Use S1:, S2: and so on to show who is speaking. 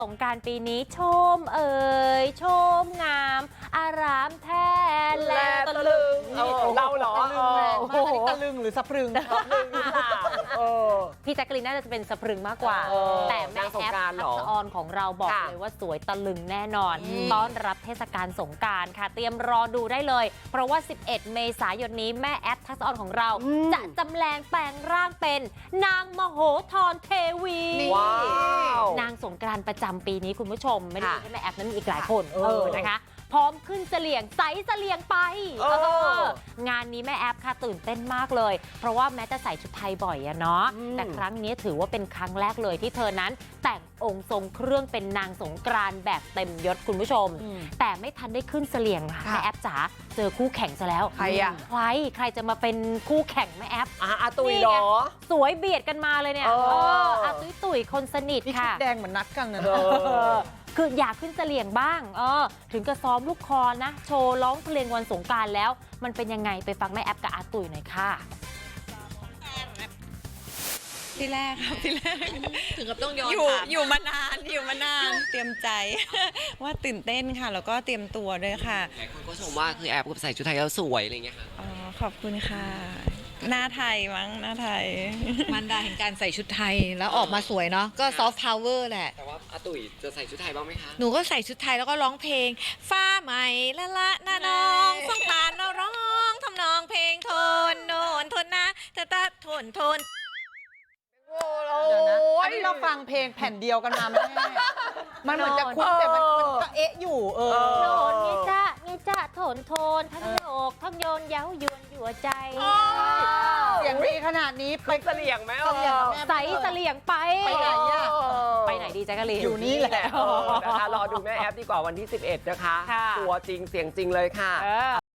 S1: สงกรานต์ปีนี้ชมชมงามอารามแท้แลตะลึง
S2: เราเหรอ
S3: ตะลึงแรงมากอันนี้ตะลึงหรือสะพรึง
S1: พี่แจ๊กกะลีนน่าจะเป็นสะพรึงมากกว่า แต่แม่แอฟทักษะออนของเราบอกเลยว่าสวยตะลึงแน่นอน ต้อนรับเทศกาลสงกรานต์ค่ะ เตรียมรอดูได้เลย เพราะว่า 11 เมษายนนี้แม่แอฟทักษะออนของเรา จะจำแรงแปลงร่างเป็นนางมโหธรเทวี
S2: ว้าว
S1: นางสงกรานต์ประจำปีนี้คุณผู้ชมไม่ได้มีแค่แม่แอฟนั้นมีอีกหลายคน
S3: เออ
S1: นะคะพร้อมขึ้นเสลี่ยงใสเสลี่ยงไปงานนี้แม่แอฟค่ะตื่นเต้นมากเลย เพราะว่าแม้จะใส่ชุดไทยบ่อยอะเนาะแต่ครั้งนี้ถือว่าเป็นครั้งแรกเลยที่เธอนั้นแต่งองค์ทรงเครื่องเป็นนางสงกรานต์แบบเต็มยศคุณผู้ชม แต่ไม่ทันได้ขึ้นเสลี่ยงค่ะแม่แอฟจ๋าเจอคู่แข่งซะแล้ว
S3: ใครอะ
S1: ใครจะมาเป็นคู่แข่งแม่แอฟ
S2: อาตุยเหรอ
S1: สวยเบียดกันมาเลยเนี่ยอาตุ้ยคนสนิท
S3: นี่ชุด
S1: ค่ะ
S3: แดงเหมือนนัดกันนะ
S1: คืออยากขึ้นเสลี่ยงบ้างถึงกับซ้อมลูกคอนะ โชว์ร้องเพลงวันสงกรานต์แล้ว มันเป็นยังไงไปฟังแม่แอฟกับอาตุ๋ยหน่อยค่ะ
S4: ที่แรกครับที่แรก
S5: ถึงกับต้องย้อน
S4: อยู่มานานเตรียมใจ ว่าตื่นเต้นค่ะ แล้วก็เตรียมตัวด้วยค่ะ
S5: หลายคนก็ชมว่าคือแอบกับใส่ชุดไทยแล้วสวยอะไรเงี้ยค่ะ
S4: อ๋อขอบคุณค่ะ หน้าไทยมั้งหน้าไทย
S6: มันดาแห่งการใส่ชุดไทยแล้วออกมาสวยเนาะก็ซอฟต์พาวเวอร์แหละ
S5: แต่ว่าอาตุยจะใส่ชุดไทยบ้างไหมคะ
S6: หนูก็ใส่ชุดไทยแล้วก็ร้องเพลง ฟ้าใหม่ละละนาน้องสงกรานต์เราร้องทำนองเพลงโทนโนนทนนะตะโทน
S3: เดี๋ยวนะอันนี้เราฟังเพลงแผ่นเดียวกันมาแม่มันเหมือนจะคุ้นแต่มันก็เอ๊ะอยู่
S1: โนนเงจ้าโถนทั้งโยกทั้งโยนเย้ายวนยั่วใจ
S3: เสียงดีขนาดนี้ไป
S2: เสลี่ยงไหม
S3: เสลี่ยงกับแม่
S1: ใสเสลี่ยงไป
S3: ไปไหนอะ
S1: ไปไหนดีแจ๊กกะลีน
S3: อยู่นี่แหละ
S2: นะคะรอดูแม่แอฟดีกว่าวันที่ 11 นะคะ
S1: ค่ะ
S2: ตัวจริงเสียงจริงเลยค่ะ